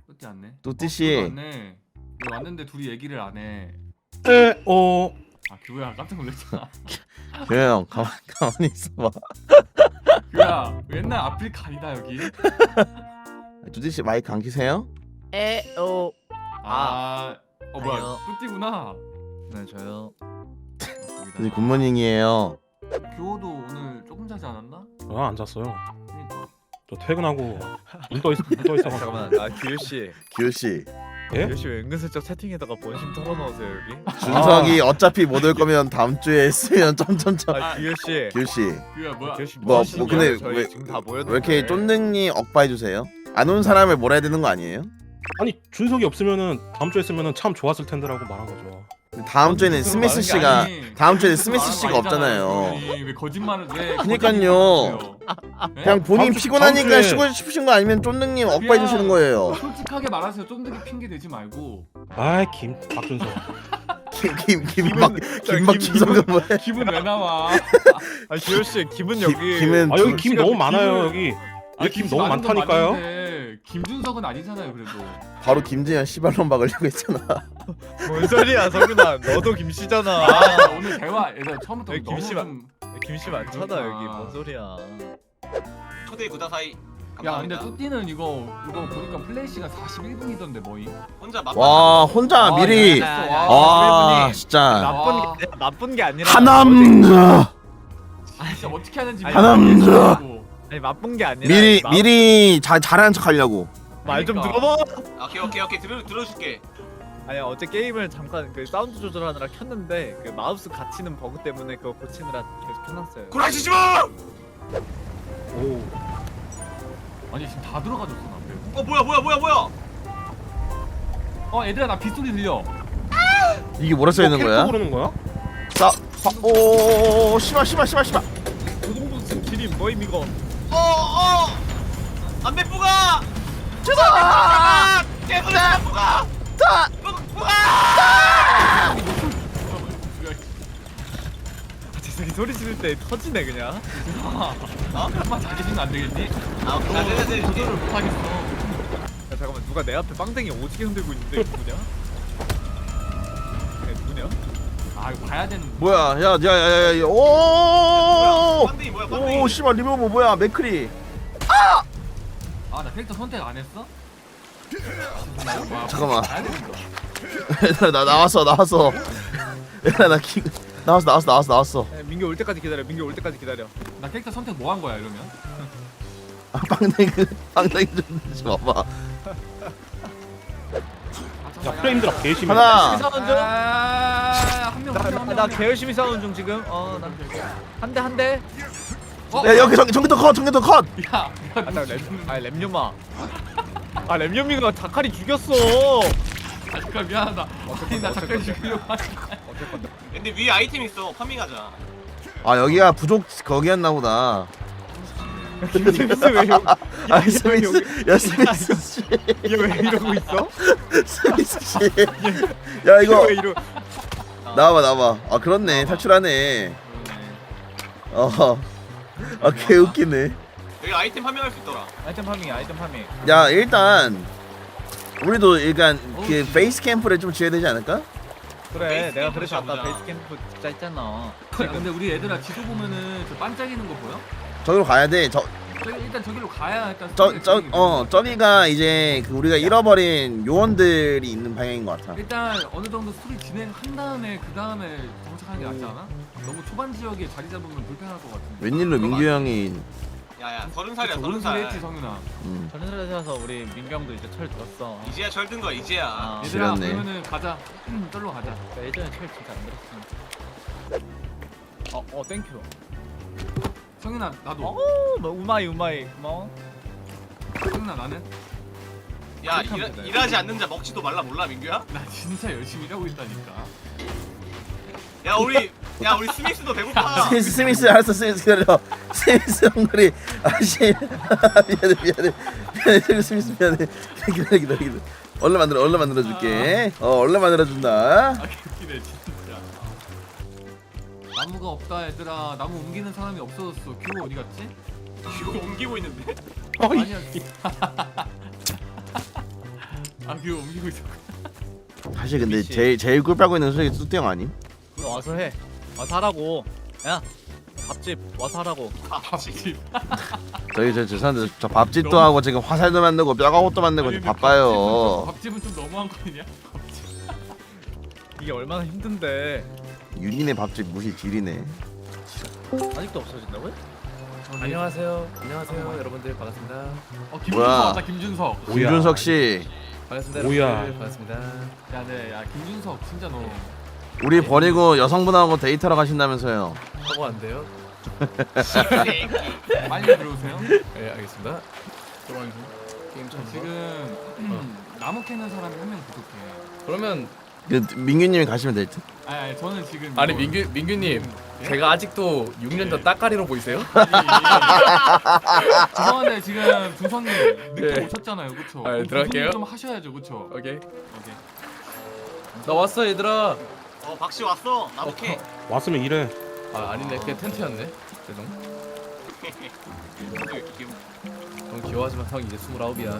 뚜띠 왔네. 뚜띠씨. 왔네. 왜 왔는데 둘이 얘기를 안 해? 아 규야 깜짝 놀랐잖아. 형 가만히 있어봐. 규야 옛날 아프리카 아니다 여기. 뚜띠씨 마이크 안 키세요? 뭐야 아니요. 뚜띠구나. 네 저요. 뚜띠 굿모닝이에요. 규호도 오늘 조금 자지 않았나? 안 잤어요. 그러니까. 저 퇴근하고 눈 떠 있어. 잠깐만. 규유 씨. 기우씨. 예? 규유 씨왜 은근슬쩍 채팅에다가 본심 털어넣으세요 여기? 준석이 어차피 못 올 거면 다음 주에 했으면 점점점. 규유 씨. 기우씨 규야 뭐야? 규유 씨 뭐, 하시는 뭐 근데 거예요? 저희 왜- 지금 다 모였는데. 왜 이렇게 쫀득님 억바해 주세요? 안 온 사람을 몰아야 되는 거 아니에요? 아니 준석이 없으면은 다음 주에 했으면은 참 좋았을 텐데라고 말한 거죠. 다음 주에는 그런 스미스 말하는 게 씨가 아니, 다음 주에는 그렇게 스미스 말하는 씨가 거 아니잖아요, 없잖아요. 규현이. 왜 거짓말을 왜? 그니까요. 거짓말을 해요? 그냥 본인 다음 주- 피곤하니까 다음 주에- 쉬고 싶으신 거 아니면 쫀득님 억바해 주시는 거예요. 솔직하게 말하세요. 쫀득이 핑계 대지 말고. 아이 박준석. 김박준석은 뭐야? 기분 왜 나와? 아 규유 씨 김은 여기. 김은 아 여기 김 씨가 너무 그 많아요 여기. 여기 김 너무 많은 건 많다니까요. 맞는데 김준석은 아니잖아요 그래도. 바로 김재현 씨발론 박으려고 했잖아. 뭔 소리야 성윤아. 너도 김 씨잖아. 아, 오늘 대화 얘들 처음부터 왜 너무 김씨만- 좀. 김 씨 많잖아 그러니까. 여기. 뭔 소리야. 초대 구다사이 야 근데 감사합니다. 뚜띠는 이거 보니까 플레이 시간 41분이던데 뭐임? 혼자 맛. 와 혼자 미리 아 진짜 나쁜 게 아니라. 하남자 진짜 어떻게 하는지 아니, 하남자. 아니 나쁜 게 아니라. 미리 잘하는 척 하려고. 말좀 그러니까. 들어봐. 오케이 들어줄게. 아니 어제 게임을 잠깐 그 사운드 조절하느라 켰는데 그 마우스 갇히는 버그 때문에 그거 고치느라 계속 켜놨어요. 구라치지 마. 오. 아니 지금 다 들어가졌어 나 앞에. 뭐야. 얘들아 나 빗소리 들려. 이게 뭐라 써 있는 캐릭터 거야? 부르는 거야? 오 씨발. 고동부스 기린 뭐임 이거? 안배 뿌가. 주다. 깨끗이 뿌가. 재석이 소리 지를 때 터지네 그냥. 한번 잘해주면 안 되겠니? 아 오케이. 조절을 못하겠어. 야 잠깐만 누가 내 앞에 빵댕이 오지게 흔들고 있는데 이거 누구냐? 누구냐? 아 이거 봐야 되는. 뭐야 야야야야 오. 빵댕이 뭐야? 오 씨발 리모버 뭐야 맥크리. 아나 캐릭터 선택 안 했어? 잠깐만. 봐야 되는 거. 얘들아 나 나왔어. 얘들아 나왔어. 야, 민규 올 때까지 기다려. 민규 올 때까지 기다려. 나 캐릭터 선택 뭐 한 거야 이러면? 아 빵댕이 좀 내지 마봐. 야 프레임 드랍 개심해. 하나. 싸우는 중. 한명 나 개열심히 싸우는 중 지금. 한 대. 야 여기 전기톱 컷. 야, 램요마. 램요미가 자카리 죽였어. 잠깐 미안하다. 아니 나 잠깐 죽이려고 하지. 근데 위에 아이템 있어. 파밍하자. 아 여기가 부족 거기였나 보다. 김재밌어 왜 여기? 아 스미스 씨. 얘 왜 이러고 있어? 스미스 씨. 야 이거 왜 이러? 나와봐. 아 그렇네 탈출하네. 아 개웃기네. 여기 아이템 파밍할 수 있더라. 아이템 파밍. 야 일단 우리도 일단 그 베이스 캠프를 좀 지어야 되지 않을까? 그래 베이스 내가 캠프 그래서 아까 잡자. 베이스 캠프 진짜 했잖아. 근데 우리 애들아 지도 보면은 저 반짝이는 거 보여? 저기로 가야 돼. 일단 저기로 가야 일단. 저기가 이제 그 우리가 잃어버린 요원들이 있는 방향인 것 같아. 일단 어느 정도 스토리 진행한 다음에 그 다음에 정착하는 게 낫지 않아? 너무 초반 지역에 자리 잡으면 불편할 것 같은데. 웬일로 민규 형이 야야 30살이야 오른 소리 했지 30살. 성윤아. 저는 살아서 우리 민경도 이제 철 들었어. 이제야 철든 거야 이제야. 아, 얘들아 지렸네. 그러면은 가자. 떨로 가자. 예전에 철 진짜 안 들었어. 땡큐. 성윤아 나도. 뭐 우마이 고마워. 성윤아 나는. 야 그렇게 하면 돼. 일하지 않는 자 먹지도 말라 몰라 민규야? 나 진짜 열심히 일하고 있다니까. 야 우리 스미스도 배고파. 스미스 알았어 스미스 기다려. 스미스 형들이 아씨 미안해 스미스 미안해. 기다려. 얼른 만들어줄게. 얼른 만들어준다. 아 웃기네 진짜. 나무가 없다 얘들아. 나무 옮기는 사람이 없어졌어. 규호 어디 갔지? 이거 옮기고 있는데. 아니야. 아 그거 옮기고 있어. 사실 근데 미치. 제일 꿀빨고 있는 소식이 뚜띠 형 아님? 너 와서 해. 와서 하라고. 야 밥집 와서 하라고. 밥집. 저희 저 죄송한데 저 밥집도 하고 지금 화살도 만들고 뼈가옷도 만들고 아니, 지금 바빠요. 밥집은 좀 너무한 거 아니야? 밥집. 이게 얼마나 힘든데. 윤이네 밥집 무시 지리네. 아직도 없어진다고요? 안녕하세요. 안녕하세요, 여러분들 반갑습니다. 김준석 뭐야? 왔다 김준석. 김준석 씨, 반갑습니다. 뭐야. 여러분들 반갑습니다. 야 김준석 진짜 너. 우리 버리고 여성분하고 데이트하러 가신다면서요? 하고 안 돼요? 빨리 들어오세요. 네, 알겠습니다. 들어와요. 게임 좀 지금 나무 캐는 사람이 한 명 부족해. 그러면 그 민규님이 가시면 될 듯. 아니 저는 지금 아니 이거- 민규님 예? 제가 아직도 6년 전 따까리로 보이세요? 죄송한데 지금 준성님 늦게 네. 오셨잖아요, 그렇죠? 아, 들어갈게요. 좀 하셔야죠, 그렇죠? 오케이. 오케이. 나 왔어 얘들아. 박씨 왔어. 나부캐. 왔으면 이래. 아 아니네 그냥 텐트였네. 죄송. 형 귀여워하지만 형 이제 29이야.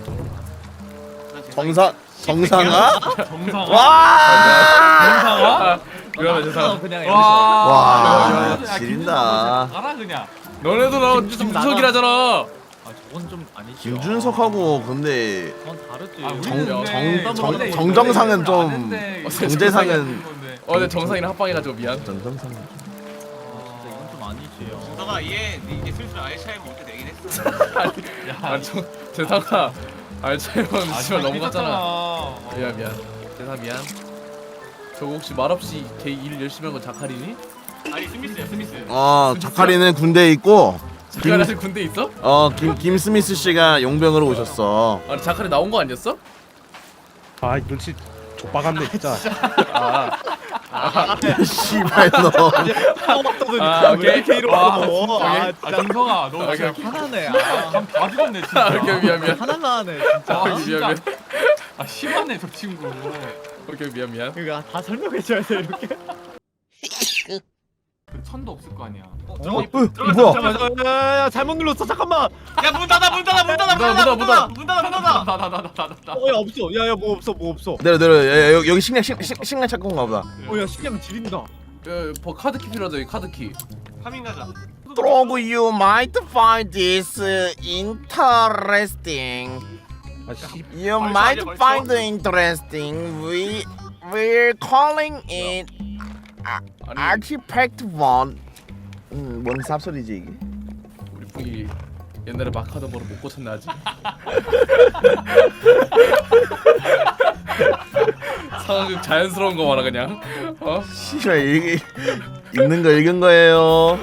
정상아? 정상아. 와! 정상아? 그러면 죄송. 그냥 와. 와, 야, 지린다. 김준석 알아 그냥. 너네도 나 김준석 김준석이라잖아. 아 저건 좀 아니지. 김준석하고 근데 그건 다르지. 아, 정- 우리는 정- 근데 정- 원래 정정상은 이거를 좀 아는데 이거 정재상은 건데. 근데 정상이랑 합방해가지고 미안. 정정상. 진짜 이건 좀 아니지. 너가 얘 이제 슬슬 알차이버 올때 되긴 했어. 야, 아 재상아. 알차이먼 아, 씨발 넘어갔잖아. 어. 미안. 재상 미안. 저거 혹시 말없이 일 열심히 한 건 자카리니? 아니 스미스야 스미스. 자카리는 군대에 있고 자카리 아직 군대 있어? 김 스미스 씨가 용병으로 오셨어. 아니 자카리 나온 거 아니었어? 아 눈치 족박았네 진짜. 씨발 너. 아, 오케이. 이렇게 이러고. 아 아, 진짜 정성아, 너 오케이, 진짜 오케이. 화나네. 아 감 봐주겠네 진짜. 오케이 미안. 하나만 하네 진짜. 아, 미안, 진짜. 미안. 아 심하네 저 친구. 오케이 미안. 그러니까 다 설명해줘야 돼 이렇게. 그 천도 없을 거 아니야. 뭐야? 야 잘못 눌렀어 잠깐만. 야문 닫아 문 닫아 문 닫아 문 닫아 문 닫아 문 닫아 문 닫아. 나나나나나나. 야 없어. 야야 뭐 없어 뭐 없어. 내려 여기 식량 찾고 온가 보다. 야 식량 지린다. 카드키 필요하죠 이 카드키. 파밍 가자. Dog, you might find this interesting. 아씨. You 벌써 might 아니야, 벌써? find it interesting. We're calling it 아니 Artifact One. 뭔 쌉소리지 이게? 우리 풍이 옛날에 마카던 거를 못 고쳤나 아직. 상황극 자연스러운 거 말아 그냥. 씨발 이게 읽는 거 읽은 거예요.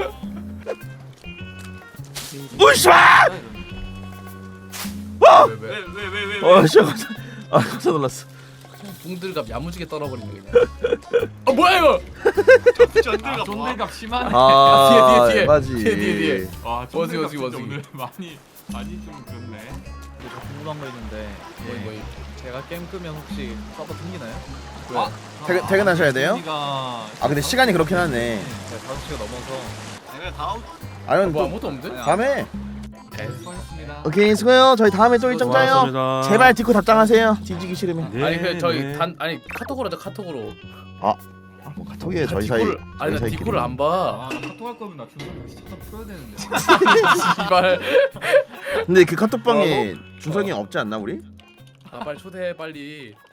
우샤! 왜? 왜왜왜 씨, 깜짝 놀랐어. 붕들갑 야무지게 떨어버리네 그냥. 뭐야 이거? 전들가 뭐? 존들갑 심하네. 뒤에. 맞지. 뒤에. 와 워지, 존들갑 워지, 진짜 워지. 오늘 많이 좀 그렇네. 저 궁금한 거 있는데 뭐 제가 게임 끄면 혹시 서버 튕기나요? 아, 퇴근하셔야 돼요? 우리가 아 근데 시간이 그렇긴 하네. 제가 5시가 넘어서 아니면 다음 아니면 뭐 또 아무것도 없는데? 다음에. 수고하셨습니다. 오케이 수고해요. 저희 다음에 또 일정 짜요. 고맙습니다. 제발 디코 답장하세요. 뒤지기 싫으면. 네, 아니 그 저희 네. 카톡으로 하자 카톡으로. 뭐 카톡이에요 저희 사이. 디코를 아니 나 저희 사이끼리. 디코를 안 봐. 아나 카톡 할 거면 나 준성 진짜 풀어야 되는데. 씨발. 근데 그 카톡방에 준석이 없지 않나 우리? 아 빨리 초대해 빨리.